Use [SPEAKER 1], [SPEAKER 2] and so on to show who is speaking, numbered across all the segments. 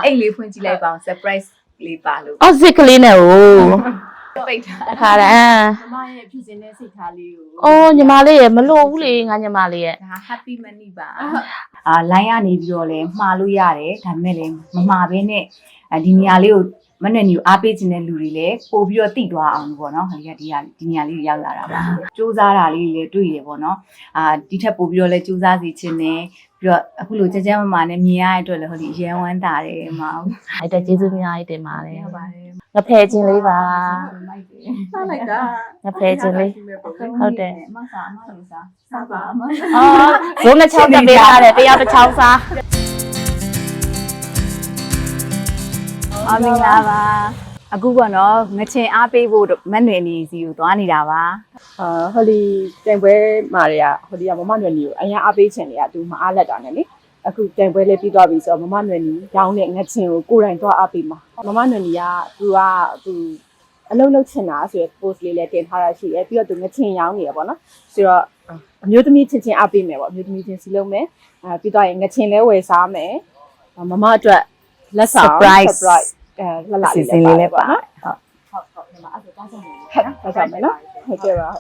[SPEAKER 1] အိတ်လေးဖွင့်ကြည့်လိုက်ပါအောင် surprise လေးပါလို့
[SPEAKER 2] အော်စစ်ကလေးနဲ့ဟို
[SPEAKER 1] ပိတ်ထား
[SPEAKER 2] ခါရန်
[SPEAKER 3] မမရဲ့ဖြစ်စဉ်နဲ့စိတ်ထားလေးကို
[SPEAKER 2] အော်ညီမလေးရဲ့မလို့ဘူးလေငါညီမလေးရဲ့
[SPEAKER 1] ဒါ happy money ပါလိုင်းကနေပြီးတော့လဲမှားလို့ရတယ်ဒါပေမဲ့လည်းမမှားဘဲနဲ့ဒီနေရာလေးကိုမနဲ့နီကိုအားပေးခြင်းတဲ့လူတွေလည်းပို့ပြီးတော့တိသွားအောင်ပေါ့နော်ဟိုဒီနေရာလေးရောက်လာတာပါစူးစမ်းတာလေးလည်းတွေ့ရပေါ့နော်ဒီထက်ပို့ပြီးတော့လဲစူးစမ်းစီခြင်းနဲ့ပြီးတော့အခုလိုကြမ်းမမာနဲ့မြင်ရတဲ့အတွက်လည်းဟိုဒီရန်ဝမ်းတာတယ်မအောင်
[SPEAKER 2] အဲ့တက်ကျေးဇူးများကြီးတင်ပါတယ်
[SPEAKER 1] ဟုတ်ပါတယ်
[SPEAKER 2] ငဖဲချင်းလေးပါ
[SPEAKER 1] မိုက်တယ်
[SPEAKER 3] စားလိုက်တာ
[SPEAKER 2] ငဖဲချင်းလေးဟုတ်တယ်
[SPEAKER 1] အမစားအမလေးစားပါအမ
[SPEAKER 2] အော်ဇုံးတစ်ချောင်းတက်ပေးထားတယ်တရားတစ်ချောင်းစား
[SPEAKER 1] မင်္ဂလာပါအခုပေါ့နော်ငချင်အားပေးဖို့မတ်နွယ်နေစီကိုသွားနေတာပါ
[SPEAKER 3] ဟိုဒီတိုင်ပွဲမာတွေကဟိုဒီကမမနွယ်နီကိုအရင်အားပေးချင်တယ်ကသူမအားလက်တာနဲ့လေအခုတိုင်ပွဲလေးပြီးသွားပြီဆိုတော့မမနွယ်နီရောင်းတဲ့ငချင်ကိုကိုယ်တိုင်သွားအားပေးမှာမမနွယ်နီကသူအလုံးလုံးချင်တာဆိုရယ် post လေးလည်းတင်ထားတာရှိတယ်ပြီးတော့သူငချင်ရောင်းနေရပေါ့နော်ဆိုတော့အမျိုးသမီးချင်းအားပေးမယ်ပေါ့အမျိုးသမီးချင်းစီလုံးမယ်ပြီးတော့ငချင်လဲဝယ်စားမယ်မမအတွက်လက်ဆောင် surprise လှလာလေးလည်းပါနော်ဟုတ်ဒီမှာအဲ့ဒါတောင်းဆောင်နေတယ်နော်ဟုတ်ကြပါ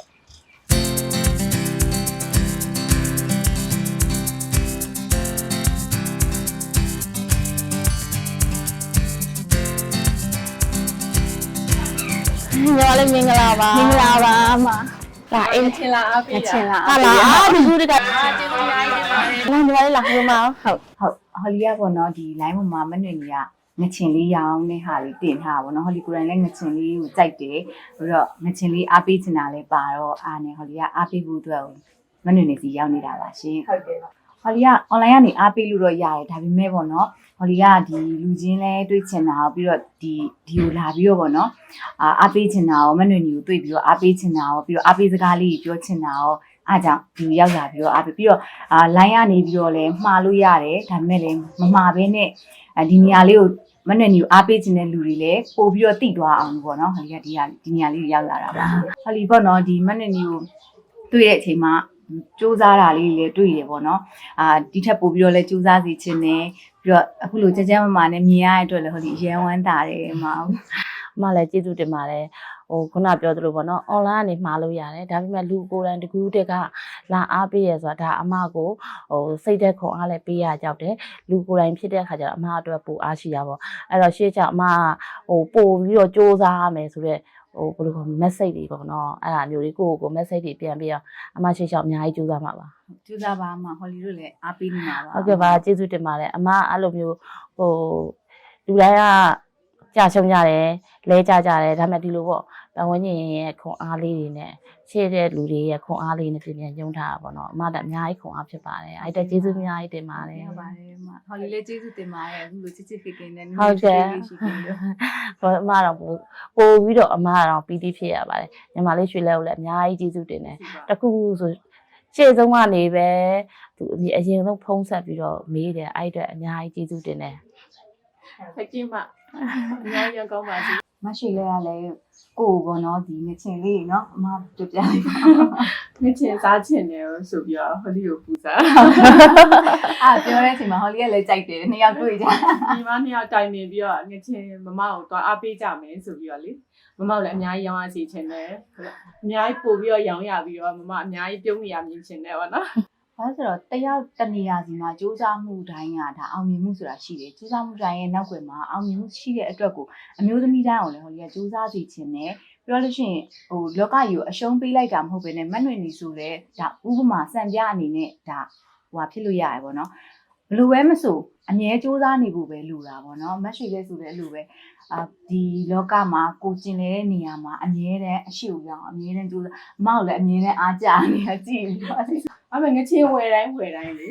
[SPEAKER 2] ညီမလေးမင်္ဂလာပါ
[SPEAKER 1] မင်္ဂလာပါအမ
[SPEAKER 2] ဒါအင်း
[SPEAKER 3] ချင်လာအားပေး
[SPEAKER 1] ချင်လား
[SPEAKER 2] ဟာလားအာဒီကူတက
[SPEAKER 3] ကျေးဇူးများကြီးတင်ပါတယ်
[SPEAKER 2] လာညီမလေးလာဟိုမှာ
[SPEAKER 1] ဟုတ်ဟော်လီကပေါ့နော်ဒီ line ပေါ်မှာမတ်နွယ်နေကငချင်လေးရောင်းတဲ့ဟာလေးတင်ထားပါဘောနော်ဟော်လီကိုယ်တိုင်လည်းငချင်လေးကိုကြိုက်တယ်ပြီးတော့ငချင်လေးအားပေးချင်တာလည်းပါတော့အားနေဟော်လီကအားပေးဖို့အတွက်မတ်နွယ်နေစီရောက်နေတာပါရှင်
[SPEAKER 3] ဟုတ်ကဲ့
[SPEAKER 1] ဟော်လီက online ကနေအားပေးလို့တော့ရတယ်ဒါပေမဲ့ပေါ့နော်ဟော်လီကဒီလူချင်းလဲတွေ့ချင်တာပြီးတော့ဒီကိုလာပြီးတော့ပေါ့နော်အားပေးချင်တာရောမတ်နွယ်နေကိုတွေ့ပြီးတော့အားပေးချင်တာရောပြီးတော့အားပေးစကားလေးပြောချင်တာရောအားကြောင့်ဒီရောက်လာပြီးတော့အားပေးပြီးတော့line ကနေပြီးတော့လဲမှားလို့ရတယ်ဒါပေမဲ့လည်းမမှားဘဲနဲ့ဒီနေရာလေးကိုမနဲ့နီကိုအားပေးခြင်းတဲ့လူတွေလည်းပို့ပြီးတော့တိသွားအောင်ပေါ့နော်ဟိုဒီဒီနေရာလေးရောက်လာတာပါဟိုလီပေါ့နော်ဒီမနဲ့နီကိုတွေ့တဲ့အချိန်မှာစူးစမ်းတာလေးလည်းတွေ့ရပေါ့နော်ဒီထက်ပို့ပြီးတော့လည်းစူးစမ်းစီခြင်းနဲ့ပြီးတော့အခုလိုကြမ်းမမာနဲ့မြင်ရတဲ့အတွက်လည်းဟိုဒီရန်ဝမ်းတာတယ်မအောင်
[SPEAKER 2] အမလည်းကျေးဇူးတင်ပါတယ်ဟိုခုနပြောသလိုပေါ့နော် online ကနေမှားလို့ရတယ်ဒါပေမဲ့လူကိုယ်တိုင်တကူးတက်ကလာအားပေးရဆိုတာဒါအမကိုဟိုစိတ်သက်ခွန်အားလည်းပေးရကြောက်တယ်လူကိုယ်တိုင်ဖြစ်တဲ့အခါကျတော့အမအတွက်ပိုအားရှိတာပေါ့အဲ့တော့ရှေ့ချအမဟိုပို့ပြီးတော့စူးစမ်းရမယ်ဆိုတော့ဟိုဘယ်လိုခေါ် message တွေပေါ့နော်အဲ့ဒါမျိုးလေးကို message တွေပြန်ပြီးတော့အမရှေ့ချအများကြီးစူးစမ်းမှာပါ
[SPEAKER 1] စူးစမ်းပါမှာဟော်လီတို့လည်းအားပေးနေမှာပါ
[SPEAKER 2] ဟုတ်ကဲ့ပါကျေးဇူးတင်ပါတယ်အမအဲ့လိုမျိုးဟိုလူတိုင်းကကြာရှုံးကြတယ်လဲကြကြတယ်ဒါပေမဲ့ဒီလိုပေါ့ပတ်ဝန်းကျင်ရဲ့ခွန်အားလေးတွေနဲ့ရှေ့တဲ့လူတွေရဲ့ခွန်အားလေးနဲ့ပြင်ညှုံထားတာပေါ့နော်အမတက်အများကြီးခွန်အားဖြစ်ပါတယ်အဲ့တက်ကျေးဇူးအများကြီးတင်ပါတယ်
[SPEAKER 1] ဟုတ်ပါတယ်အမဟော်လီလည်းကျေးဇူးတင်ပါတယ်အခုလိုချစ်ချစ်ခင်ခင်နဲ့
[SPEAKER 2] ဟုတ်ကဲ့
[SPEAKER 1] ရှိခင်လို့
[SPEAKER 2] ဘာအမတော့ပို့ပြီးတော့အမတော့ပီတိဖြစ်ရပါတယ်ညီမလေးရွှေလဲကိုလည်းအများကြီးကျေးဇူးတင်တယ်တခုဆိုရှေ့ဆုံးကနေပဲသူအရင်ဆုံးဖုံးဆက်ပြီးတော့မေးတယ်အဲ့အတွက်အများကြီးကျေးဇူးတင်တယ်
[SPEAKER 3] ဖက်ကျင်းမအများကြီးကောင်းပါစေ
[SPEAKER 1] မရှိလဲရလဲကိုယ်ပေါ့နော်ဒီငချင်လေးเนาะအမပြပြလိုက်ပါ
[SPEAKER 3] ငချင်စားချင်တယ်ဆိုပြီးတော့ဟိုဒီကိုပူစား
[SPEAKER 1] ပြောတဲ့အချိန်မှာဟော်လီကလည်းကြိုက်တယ်နှစ်ယောက်တွေ့ကြ
[SPEAKER 3] ဒီမနှစ်ယောက်တိုင်ပင်ပြီးတော့ငချင်မမကိုသွားအားပေးကြမယ်ဆိုပြီးတော့လေမမကိုလည်းအများကြီးရောင်းရစီချင်တယ်အများကြီးပို့ပြီးတော့ရောင်းရပြီးတော့မမအများကြီးပြုံးနေရမြင်ချင်တယ်ပေါ့နော်
[SPEAKER 1] ဘာလို့ဆိုတော့တယောက်တနေရာစီမှာစူးစမ်းမှုတိုင်းကဒါအောင်မြင်မှုဆိုတာရှိတယ်စူးစမ်းမှုတိုင်းရဲ့နောက်ွယ်မှာအောင်မြင်မှုရှိတဲ့အတွက်ကိုအမျိုးသမီးတိုင်းအောင်လည်းဟော်လီကစူးစမ်းစီခြင်းနဲ့ပြောလို့ရှိရင်ဟိုလောကကြီးကိုအရှုံးပေးလိုက်တာမဟုတ်ဘဲနဲ့မတ်နွေနေဆိုလဲဒါဥပမာစံပြအနေနဲ့ဒါဟိုဖြစ်လို့ရတယ်ပေါ့နော်ဘလို့ပဲမဆိုအမြဲစူးစမ်းနေဖို့ပဲလိုတာပေါ့နော်မတ်ရှိလဲဆိုတဲ့အလိုပဲဒီလောကမှာကိုကျင်နေတဲ့နေရာမှာအမြဲတမ်းအရှိကိုရောက်အမြဲတမ်းစူးစမ်းအမောက်လည်းအမြဲတမ်းအားကြနေတာကြည့်ပြီးတော့
[SPEAKER 3] အမေငချင်းဝယ်တိုင်းလေ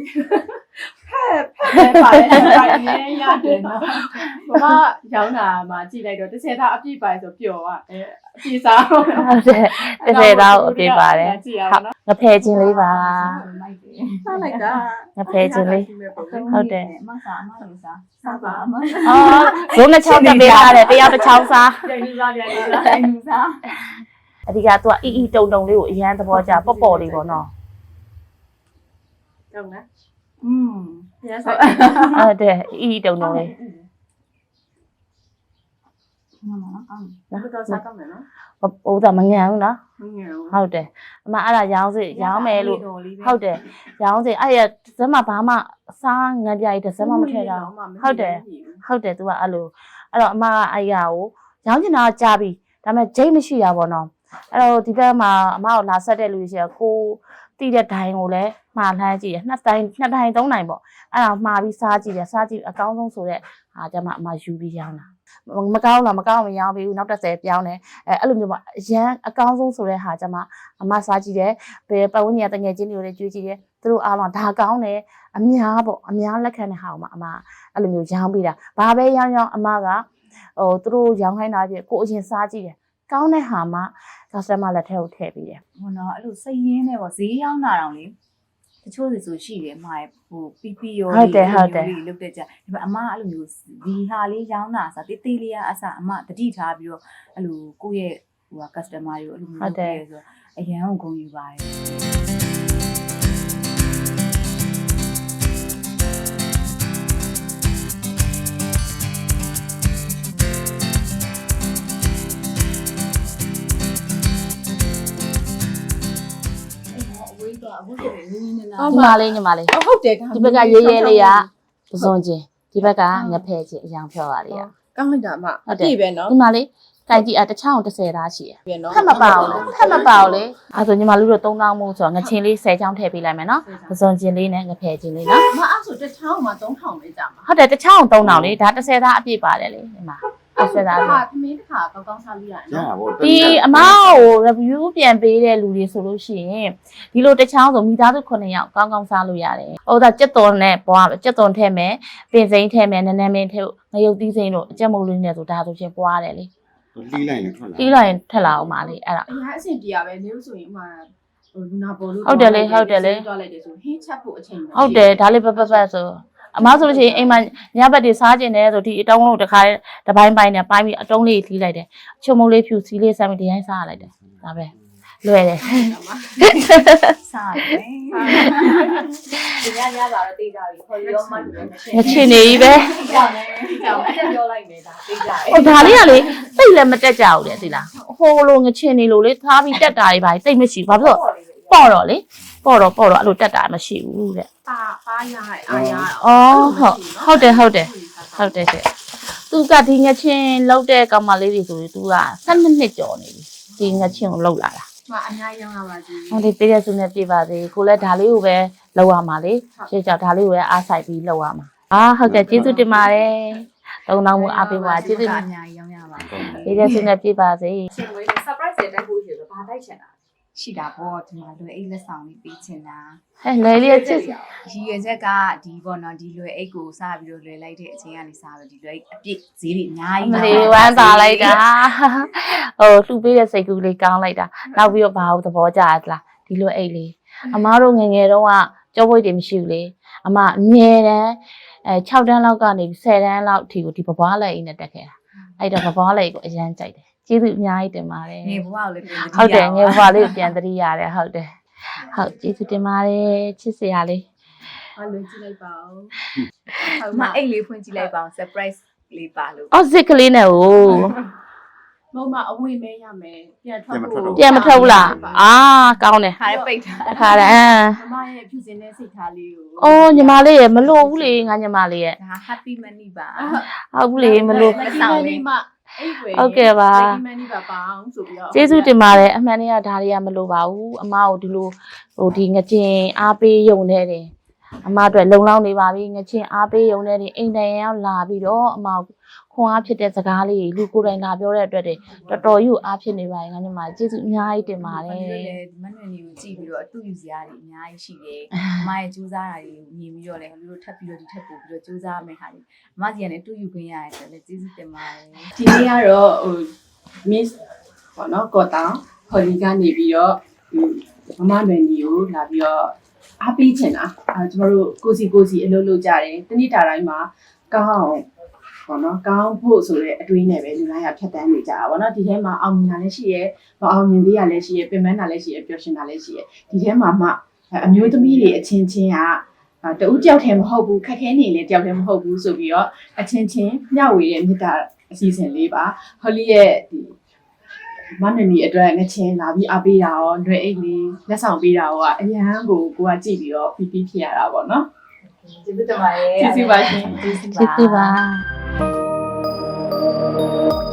[SPEAKER 3] ဖက်ပါတယ်အရင်ရတယ်နော်မမရောင်းတာမှာကြည့်လိုက်တော့တစ်သားအပြည့်ပါဆိုပျော်อ่ะအပြည့်စားဟုတ်
[SPEAKER 2] ဟုတ်တယ်တစ်သားကိုအပြည့်ပါတယ်
[SPEAKER 3] ကြည့်ရအောင်နော်
[SPEAKER 2] ငဖဲချင်းလေးပါ
[SPEAKER 3] စားလိုက်တာ
[SPEAKER 2] ငဖဲချင်းလေးဟုတ်တယ်
[SPEAKER 1] မစားအမလေးစား
[SPEAKER 3] စားပါမ
[SPEAKER 2] အော်ဇုံးတစ်ချောင်းတက်ပေးထားတယ်တရားတစ်ချောင်းစား
[SPEAKER 3] ပြန်ယူစားပြန်ယူစား
[SPEAKER 1] တိုင်းလူစား
[SPEAKER 2] အဓိကသူကအီတုံတုံလေးကိုအရန်သဘောကျပေါ့ပေါ့လေးပေါ့နော်
[SPEAKER 3] ဟုတ်လား
[SPEAKER 1] อืม
[SPEAKER 3] ရစား
[SPEAKER 2] ဟုတ်တယ်အီတုံတုံလေး
[SPEAKER 1] ဟုတ်ပါတော့ကောင်းတယ်
[SPEAKER 3] တော်တော်စားကောင်းတယ်နော်
[SPEAKER 2] ဟိုဒါမငန်ဘူးနော်
[SPEAKER 3] မငယ်ဘူး
[SPEAKER 2] ဟုတ်တယ်အမအဲ့ဒါရောင်းစေရောင်းမယ်လို့ဟုတ်တယ်ရောင်းစေအဲ့ရဇက်မဘာမှစားငံပြကြီးတစ်စက်မှမထည့်တော့ဟုတ်တယ်သူကအဲ့လိုအဲ့တော့အမကအဲ့ရကိုရောင်းချင်တာကြားပြီဒါပေမဲ့ဂျိတ်မရှိတာပေါ့နော်အဲ့တော့ဒီဘက်မှာအမကိုလာဆက်တဲ့လူကြီးကကိုတိတဲ့ဒိုင်ကိုလည်းမှားလှမ်းကြည့်ရနှစ်တိုင်း3တိုင်းပေါ့အဲ့ဒါမှားပြီးစားကြည့်တယ်စားကြည့်အကောင်းဆုံးဆိုတဲ့ဟာကျမအမယူပြီးရောင်းတာမကောင်းလားမကောင်းမရောင်းပြီးနောက်30ပြောင်းတယ်အဲ့လိုမျိုးပေါ့အရန်အကောင်းဆုံးဆိုတဲ့ဟာကျမအမစားကြည့်တယ်ဘယ်ပတ်ဝန်းကျင်တငယ်ချင်းတွေကိုလည်းကြွေးကြည့်တယ်သူတို့အားလုံးဒါကောင်းတယ်အများပေါ့အများလက်ခံတဲ့ဟာကိုမှအမအဲ့လိုမျိုးရောင်းပေးတာဘာပဲရောင်းအမကသူတို့ရောင်းခိုင်းတာပြကိုအရင်စားကြည့်တယ်ကောင်းတဲ့ဟာမှ customer လက်ထဲကိုထည့်ပေးတယ်
[SPEAKER 1] ဟိုတော့အဲ့လိုစိတ်ရင်းနဲ့ပေါ့ဈေးရောက်လာတော့လေတချို့ဆိုရှိတယ်အမရဲ့ဟိုပီပီရောလုတ်တဲ့ကြဒီမှာအမအဲ့လိုမျိုးဒီဟာလေးရောင်းတာဆိုတေးသေးလေးကအစအမတတိထားပြီးတော့အဲ့လိုကိုယ့်ရဲ့ဟိုက customer တွေကိုအဲ့လိုမျိုးလုပ်တယ်ဆိုတော့အရန်ကိုဂုဏ်ယူပါတယ်အခုဆိုရင်နင်းနေနာ
[SPEAKER 2] ညီမလေး
[SPEAKER 3] ဟုတ်တယ်
[SPEAKER 2] ဒီဘက်ကရေးရေးလေးကပစွန်ချင်းဒီဘက်ကငဖဲချင်းအယောင်ဖြော်ပါလေးက
[SPEAKER 3] ကောင်းလိုက်တာအမပြည့်ပဲနော်
[SPEAKER 2] ညီမလေးတိုင်ကြည့်တစ်ချောင်း30သားရှိရ
[SPEAKER 3] ပြည့်နော်
[SPEAKER 2] ဖက်မပါဘူးဖက်မပါဘူးလေအဲဆိုညီမလူတို့3000မို့ဆိုတော့ငချင်းလေး10ချောင်းထည့်ပေးလိုက်မယ်နော်ပစွန်ချင်းလေးနဲ့ငဖဲချင်းလေးနော်
[SPEAKER 3] အမအဲ့ဆိုတစ်ချောင်းမှာ3000ပဲကြာမှာ
[SPEAKER 2] ဟုတ်တယ်တစ်ချောင်း3000လေဒါ30သားအပြည့်ပါတယ်လေဒီမှာ30သား
[SPEAKER 3] သမီးတစ်ခါကောင်းကောင်းစားလို့ရတယ်
[SPEAKER 4] ရ
[SPEAKER 3] နော်
[SPEAKER 4] ပါဘော
[SPEAKER 2] ဒီအမကို review ပြန်ပေးတဲ့လူတွေဆိုလို့ရှိရင်ဒီလိုတစ်ချောင်းဆိုမိသားစု9ယောက်ကောင်းကောင်းစားလို့ရတယ်။ဟိုဒါကြက်သွန်နဲ့ပွားကြက်သွန်ထည့်မယ်ပင်စိမ်းထည့်မယ်နန်းနန်းမင်းထည့်ငရုတ်သီးစိမ်းတို့အကြက်မုတ်လေးနဲ့ဆိုဒါဆိုချင်းပွားတယ်လေ
[SPEAKER 4] လှီးလိုက်ရင်ထွက်လာ
[SPEAKER 2] ။ပြီးလိုက်ရင်ထက်လာအောင်ပါလေအဲ့ဒါ
[SPEAKER 3] အရင်အဆင်ပြေရပဲနေလို့ဆိုရင်ဥမာဟိုလူနာပေါ်လို့
[SPEAKER 2] ဟုတ်တယ်လေဟုတ်တယ်လေ
[SPEAKER 3] သွားလိုက်တယ်ဆိုဟင်းချက်ဖို့အချိန်
[SPEAKER 2] ဟုတ်တယ်ဒါလေးပပဆိုအမဆိုလို့ရှိရင်အိမ်မှာညဘက်တွေစားကျင်တယ်ဆိုဒီအတုံးလို့တစ်ခါတပိုင်းပိုင်းနဲ့ပိုင်းပြီးအတုံးလေးလှီးလိုက်တယ်အချုံမုံလေးဖြူစီလေးစားပြီးဒီတိုင်းစားရလိုက်တယ်ဒါပဲလွယ်တယ်
[SPEAKER 1] စားတယ်ဒီညညပါတော့တေးကြပြီခေါ်ရောမှလို့
[SPEAKER 2] ငချင်နေပြီပဲ
[SPEAKER 1] ကြောင်တယ်ကြောင်တယ်ပြောလိုက်နေတာတေးကြတယ်
[SPEAKER 2] ဟိုဒါလေးကလေတိတ်လည်းမတက်ကြဘူးလေသိလားဟိုလိုငချင်နေလို့လေထားပြီးတက်တာတွေပါတိတ်မရှိဘူးဘာဖြစ်လို့ပေါ့တော့လေပေါ့တော့အဲ့လိုတက်တာမရှိဘူးတဲ့
[SPEAKER 3] ပါရအားရ
[SPEAKER 2] အော်ဟုတ်တယ်တဲ့သူကဒီငချင်လောက်တဲ့ကောင်မလေးတွေဆိုရင်သူက12နှစ်ကျော်နေပြီဒီငချင်ကိုလောက်လာတာ
[SPEAKER 3] မအများကြီးရောင်းရပါသေး
[SPEAKER 2] ဟိုဒီပေးရစုနဲ့ပြပါသေးကိုလည်းဒါလေးကိုပဲလောက်ရမှာလေရှေ့ကြောက်ဒါလေးကိုပဲအားဆိုင်ပြီးလောက်ရမှာဟုတ်ကဲ့ကျေးဇူးတင်ပါတယ်သုံးတောင်းမှုအားပေးပါကျေးဇူး
[SPEAKER 1] အများကြီးရောင်းရပါ
[SPEAKER 2] ပေးရစုနဲ့ပြပါစေ
[SPEAKER 1] ရှင်ဝေး surprise တဲ့တိုက်ဖို့ရှိဆိုဘာတိုက်ချင်တာရှိတာပေါ့ဒီမှာလွယ်အိတ်လက်ဆောင်လေးပေးချင်တာ
[SPEAKER 2] ဟဲ့လေလေးချစ်
[SPEAKER 1] ရည်ရွယ်ချက်ကဒီပေါ့နော်ဒီလွယ်အိတ်ကိုစားပြီးတော့လွယ်လိုက်တဲ့အချိန်ကနေစားပြီးဒီလွယ်အိတ်အပြည့်ဈေးတွေအများကြီး
[SPEAKER 2] မလေးဝမ်းသာလိုက်တာဟိုလှူပေးတဲ့စိတ်ကူးလေးကောင်းလိုက်တာနောက်ပြီးတော့ဘာလို့သဘောကျသလားဒီလိုအိတ်လေးအမားတို့ငငယ်တုန်းကကြောပွေးတွေမရှိဘူးလေအမအမြဲတမ်း6တန်းလောက်ကနေ10တန်းလောက်အထိကိုဒီပပွားလက်အိတ်နဲ့တက်ခဲ့တာအဲ့တော့ပပွားလက်အိတ်ကိုအရန်ကြိုက်တယ်ကျေးဇူးအများကြီးတင်ပါတယ်
[SPEAKER 1] ငယ်ဘဝကိုလည်းပြန်
[SPEAKER 2] ဟုတ်တယ်ငယ်ဘွားလေးပြန်သတိရတယ်ဟုတ်တယ်ဟုတ်ကျေးဇူးတင်ပါတယ်ချစ်စရာလေး
[SPEAKER 3] ဘာလို့ကြည့်လိုက်ပါဦး
[SPEAKER 1] မအိတ်လေးဖွင့်ကြည့်လိုက်ပါအောင် surprise လေးပါလို့
[SPEAKER 2] အော်စစ်ကလေးနဲ့ဟို
[SPEAKER 3] မမအဝေးမဲရမယ်ပြန်ထွက်ဖို့
[SPEAKER 2] ပြန်မထွက်ဘူးလားအာကောင်းတယ်
[SPEAKER 1] ခါရဲပိတ်တာ
[SPEAKER 2] ခါတယ်
[SPEAKER 3] မမရဲ့ဖြူစင်တဲ့စိတ်ထားလေးကို
[SPEAKER 2] အော်ညီမလေးရဲ့မလို့ဘူးလေငါညီမလေးရဲ့
[SPEAKER 1] ဒါ happy money ပါ
[SPEAKER 2] ဟုတ်ဘူးလေမလို့
[SPEAKER 3] လက်ဆောင်လေးမအဲ့ဝယ်
[SPEAKER 2] ဟုတ်ကဲ့ပါ
[SPEAKER 3] မန်နီပါပါအောင်ဆိုပြီးတော့
[SPEAKER 2] ကျေးဇူးတင်ပါတယ်အမှန်တည်းကဒါတွေကမလို့ပါဘူးအမကိုဒီလိုဟိုဒီငကျင်အားပေးယုံနေတယ်အမအတွက်လုံလောက်နေပါပြီငချင်းအားပေးရုံနဲ့အိမ်တိုင်ရောက်လာပြီးတော့အမခွန်အားဖြစ်တဲ့စကားလေးလူကိုယ်တိုင်လာပြောတဲ့အတွက်တော်တော်ကြီးအားဖြစ်နေပါရင်ငါညီမကျေးဇူးအများကြီးတင်ပါတယ်
[SPEAKER 1] မနက်မနက်နေကိုကြည့်ပြီးတော့အတူယူစရာတွေအများကြီးရှိတယ်အမရဲ့စူးစမ်းတာတွေကိုမြင်ပြီးတော့လည်းလူတို့ထပ်ပြီးတော့ဒီထပ်ပို့ပြီးတော့စူးစမ်းမယ်ခါလေးအမစီကနေအတူယူခွင့်ရတယ်ဆိုလည်းကျေးဇူးတင်ပါတယ်
[SPEAKER 3] ဒီနေ့ကတော့ဟို miss ပေါ့နော်ကောတောင်ဟော်လီကနေပြီးတော့မမလွယ်ညီကိုလာပြီးတော့အားပေးချင်တာကျမတို့ကိုစီအလုပ်လုပ်ကြတယ်တနေ့တာတိုင်းမှာကောင်းအောင်ပေါ့နော်ကောင်းဖို့ဆိုတဲ့အတွေးနဲ့ပဲလူတိုင်းကဖြတ်တန်းနေကြတာပေါ့နော်ဒီထဲမှာအောင်မြင်တာလည်းရှိရဲမအောင်မြင်သေးရလည်းရှိရဲပင်ပန်းတာလည်းရှိရဲပျော်ရွှင်တာလည်းရှိရဲဒီထဲမှာမှအမျိုးသမီးတွေအချင်းချင်းကတူတယောက်တည်းမဟုတ်ဘူးခက်ခဲနေလေတယောက်တည်းမဟုတ်ဘူးဆိုပြီးတော့အချင်းချင်းမျှဝေတဲ့မြတ်တာအစီအစဉ်လေးပါဟော်လီရဲ့ဒီမနနီအတွက်ငချင်းလာပြီးအားပေးတာရောຫນွေအိတ်လေးလက်ဆောင်ပေးတာရောအရန်ကိုကကြည့်ပြီးတော့ပီပီဖြစ်ရတာပေါ့နော်
[SPEAKER 1] ကျေးဇူးတင်ပါတယ်
[SPEAKER 3] ကျေးဇူးပါရှင်
[SPEAKER 1] ကျေးဇူး
[SPEAKER 2] ကျေးဇူးပါ
[SPEAKER 1] ပါ